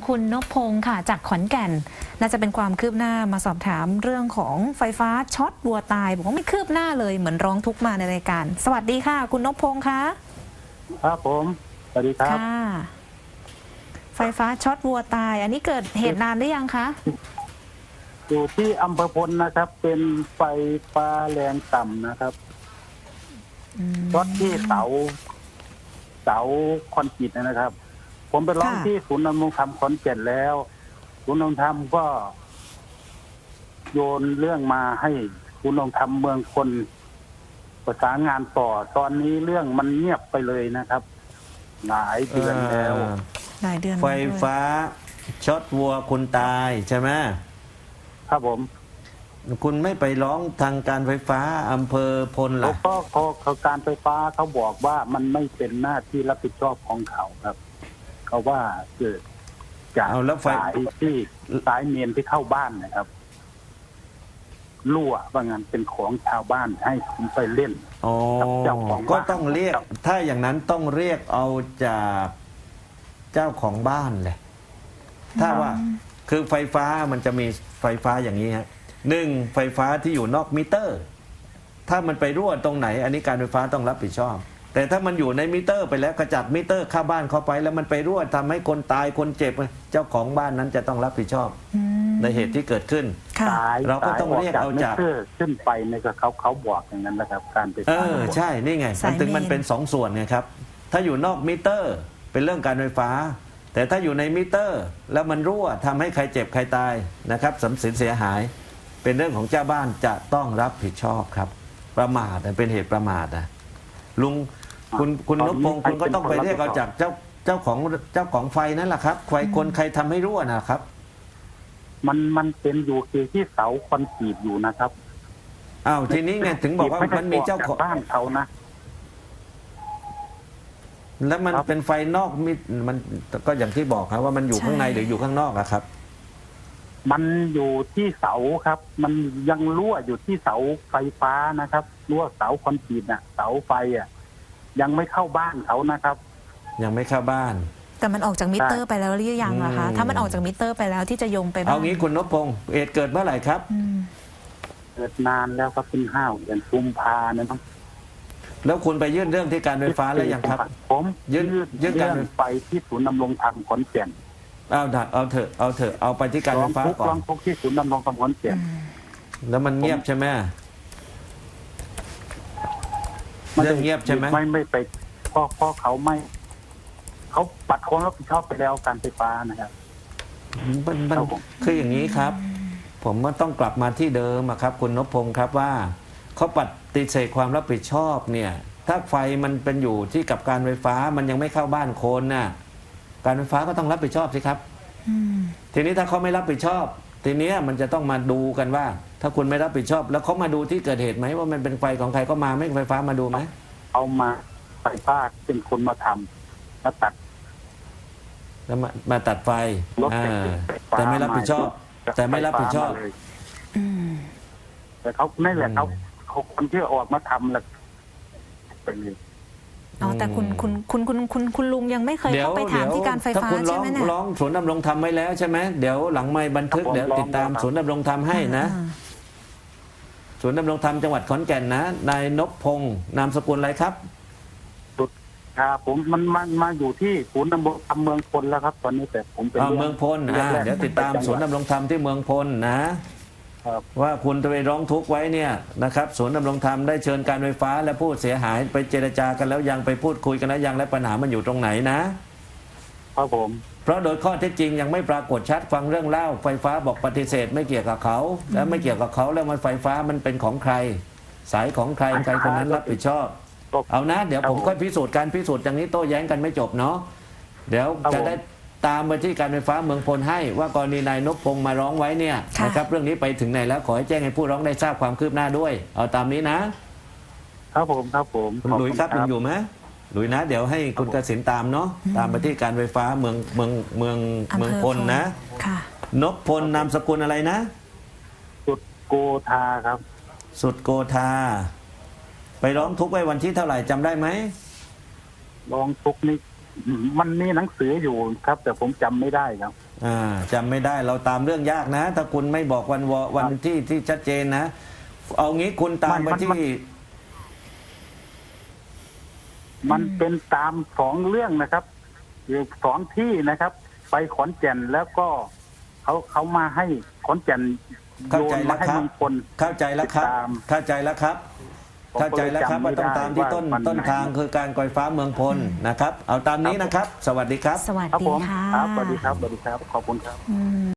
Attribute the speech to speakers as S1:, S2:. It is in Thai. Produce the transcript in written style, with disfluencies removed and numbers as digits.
S1: คุณนพพงศ์ค่ะจากขอนแก่นน่าจะเป็นความคืบหน้ามาสอบถามเรื่องของไฟฟ้าช็อตวัวตายบอกว่าไม่คืบหน้าเลยเหมือนร้องทุกข์มาในรายการสวัสดีค่ะคุณนพพงศ์คะ
S2: ครับผมสวัสดีครับ
S1: ค่ะไฟฟ้าช็อตวัวตายอันนี้เกิดเหตุนานหรือยังคะ
S2: อยู่ที่อำเภอพลนะครับเป็นไฟฟ้าแรงต่ำนะครับช็อตที่เสาคอนกรีตนะครับผมไปร้องที่ศูนย์ดำรงธรรมขอนแก่นแล้วศูนย์ดำรงธรรมก็โยนเรื่องมาให้ศูนย์ดำรงธรรมเมืองคนประสานงานต่อตอนนี้เรื่องมันเงียบไปเลยนะครับหลายเดือนแล้ว
S1: หลายเดือน
S3: ไฟฟ้าช็อตวัวคุณตายใช่ไหม
S2: ครับผม
S3: คุณไม่ไปร้องทางการไฟฟ้าอำเภอพลล่ะ
S2: ก็การไฟฟ้าเขาบอกว่ามันไม่เป็นหน้าที่รับผิดชอบของเขาครับเขาว่าเกิดจากสายเมนที่เข้าบ้านนะครับรั่วว่างั้นเป็นของชาวบ้านให้ผมไปเล่น
S3: เจ้าของก็ต้องเรียกถ้าอย่างนั้นต้องเรียกเอาจากเจ้าของบ้านเลยถ้าว่าคือไฟฟ้ามันจะมีไฟฟ้าอย่างนี้ฮะหนึ่งไฟฟ้าที่อยู่นอกมิเตอร์ถ้ามันไปรั่วตรงไหนอันนี้การไฟฟ้าต้องรับผิดชอบแต่ถ้ามันอยู่ในมิเตอร์ไปแล้วกระจัดมิเตอร์เข้าบ้านเข้าไปแล้วมันไปรั่วทำให้คนตายคนเจ็บเจ้าของบ้านนั้นจะต้องรับผิดชอบในเหตุที่เกิดขึ้นเราก็ต้องเรียกเอาจาก
S2: ขึ้นไปในกับเขาบอกอย่างนั้นนะครับการไฟฟ้า
S3: ใช่นี่ไงมันถึงมันเป็นสองส่วนไงครับถ้าอยู่นอกมิเตอร์เป็นเรื่องการไฟฟ้าแต่ถ้าอยู่ในมิเตอร์แล้วมันรั่วทำให้ใครเจ็บใครตายนะครับทรัพย์สินเสียหายเป็นเรื่องของเจ้าบ้านจะต้องรับผิดชอบครับประมาทเป็นเหตุประมาทนะลุงคุณนพพงศ์คุณก็ต้องไปเรียกเอาจากเจ้าของไฟนั่นแหละครับใครทำให้รั่วนะครับ
S2: มันเป็นอยู่ที่เสาคอนกรีตอยู่นะครับ
S3: อ้าวทีนี้ไงถึงบอกว่ามันมีเจ้าของ
S2: บ้านเขานะ
S3: แล้วมันเป็นไฟนอกมิดมันก็อย่างที่บอกครับว่ามันอยู่ข้างในหรืออยู่ข้างนอกอะครับ
S2: มันอยู่ที่เสาครับมันยังรั่วอยู่ที่เสาไฟฟ้านะครับรั่วเสาคอนกรีตน่ะเสาไฟอ่ะยังไม่เข้าบ้านเขานะครับ
S3: ยังไม่เข้าบ้าน
S1: แต่มันออกจากมิเตอร์ไปแล้วหรือยังล่ะคะถ้ามันออกจากมิเตอร์ไปแล้วที่จะโยงไปบ้าน
S3: เอางี้คุณนพพงศ์เหตุเกิดเมื่อไหร่ครับ
S2: เกิดนานแล้วครับเป็น5 เดือนกุมภาเนี่ยครับ
S3: แล้วคุณไปยื่นเรื่องที่การไฟฟ้าแล้วยังครับ
S2: ผมยื่นการไปที่ศูนย์ดำรงธรรมขอนแก่น
S3: เอาเถอะเอาไปที่การไฟฟ้าก่อน
S2: ร้องทุกข์ที่ศูนย์ดำรงธรรมขอนแก่น
S3: แล้วมันเงียบใช่ไหมเรื่องเงียบใช่ไหม
S2: ไม่ไปเพราะเขาปัดความรับผิดชอบไปแล้วการไฟฟ้านะครับ
S3: มันคืออย่างนี้ครับผมว่าต้องกลับมาที่เดิมครับคุณนพพงศ์ครับว่าเขาปฏิเสธความรับผิดชอบเนี่ยถ้าไฟมันเป็นอยู่ที่กับการไฟฟ้ามันยังไม่เข้าบ้านคนน่ะการไฟฟ้าก็ต้องรับผิดชอบสิครับทีนี้ถ้าเขาไม่รับผิดชอบทีนี้มันจะต้องมาดูกันว่าถ้าคุณไม่รับผิดชอบแล้วเขามาดูที่เกิดเหตุไหมว่ามันเป็นไฟของใครก็มาไม่ไฟฟ้ามาดูไหม
S2: เอามาไฟฟ้าเป็นคนมาทำมาตัด
S3: แล้วมาตัดไฟแต่ไม่รับผิดชอบแต่ไม่รับผิดชอบ
S2: แต่เขาไม่แหละเขาคนที่ออกมาทำแหละเป็น
S1: แต่คุณลุงยังไม่เคยเข้าไปถามที่การไฟฟ้าใช่ไหมเนี่ย
S3: ร้องศูนย์ดำรงธรรมไว้แล้วใช่ไหมเดี๋ยวหลังไมค์บันทึกเดี๋ยวติดตามศูนย์ดำรงธรรมให้นะศูนย์ดำรงธรรมจังหวัดขอนแก่นนะนายนพพงศ์นามสกุลอะไรครับ
S2: ผมมันมาอยู่ที่ศูนย์ดำรงธรรมเมืองพลแล้วครับตอนนี้แต่ผมเป็น
S3: เมืองพลเดี๋ยวติดตามศูนย์ดำรงธรรมที่เมืองพลนะว่าคุณจะไปร้องทุกข์ไว้เนี่ยนะครับศูนย์ดำรงธรรมได้เชิญการไฟฟ้าและผู้เสียหายไปเจรจากันแล้วยังไปพูดคุยกันแล้วยังและปัญหามันอยู่ตรงไหน
S2: นะครับผม
S3: เพราะโดยข้อเท็จจริงยังไม่ปรากฏชัดฟังเรื่องเล่าไฟฟ้าบอกปฏิเสธไม่เกี่ยวกับเขาและไม่เกี่ยวกับเขาแล้วมันไฟฟ้ามันเป็นของใครสายของใครใครคนนั้นรับผิดชอบเอานะเดี๋ยวผมก็พิสูจน์การพิสูจน์อย่างนี้โต้แย้งกันไม่จบเนาะเดี๋ยวจะได้ตามไปที่การไฟฟ้าเมืองพลให้ว่ากรณีนายนพพงศ์มาร้องไว้เนี่ยนะครับเรื่องนี้ไปถึงไหนแล้วขอให้แจ้งให้ผู้ร้องได้ทราบความคืบหน้าด้วยเอาตามนี้นะครับ
S2: ผม
S3: คุณหลุยส์ครับยังอยู่ไหมหลุยส์นะเดี๋ยวให้คุณกสิณตามเนาะตามไปที่การไฟฟ้าเมืองพลนะนพพลนามสกุลอะไรนะ
S2: สุดโกธาครับ
S3: สุดโกธาไปร้องทุกข์ไว้วันที่เท่าไหร่จำได้ไหม
S2: ร้องทุกข์นี่มันมีหนังสืออยู่ครับแต่ผมจำไม่ได้ครับ
S3: จำไม่ได้เราตามเรื่องยากนะ ถ้าคุณไม่บอกวันที่ชัดเจนนะ เอางี้คุณตามไปที่
S2: มันเป็นตามสองเรื่องนะครับอยู่สองที่นะครับ ไปขอนแก่นแล้วก็เขามาให้ขอนแก่น
S3: เข้า
S2: โย
S3: ใจ
S2: น
S3: แล้
S2: มาว ให้
S3: ครับ
S2: เมืองพล
S3: เข้าใจแล้วครับ
S2: ติดตาม
S3: เข้าใจแล้วครับ
S2: ผม
S3: เข้าใจแล้วครับ
S2: ก็
S3: ว่า
S2: เลยจำไม่
S3: ต้องตามที่
S2: ได้
S3: ต้น
S2: ว่าวัน
S3: ต้น
S2: ไหน
S3: ทางคือการไฟฟ้าเมืองพลนะครับ เอาตามนี้นะครับ สวัสดีครับ
S1: สวัส
S2: ครับ
S1: ดี
S2: ผม
S1: ค่ะ
S2: ครับสวัสดีครับสวัสดีครับ ขอบคุณครับ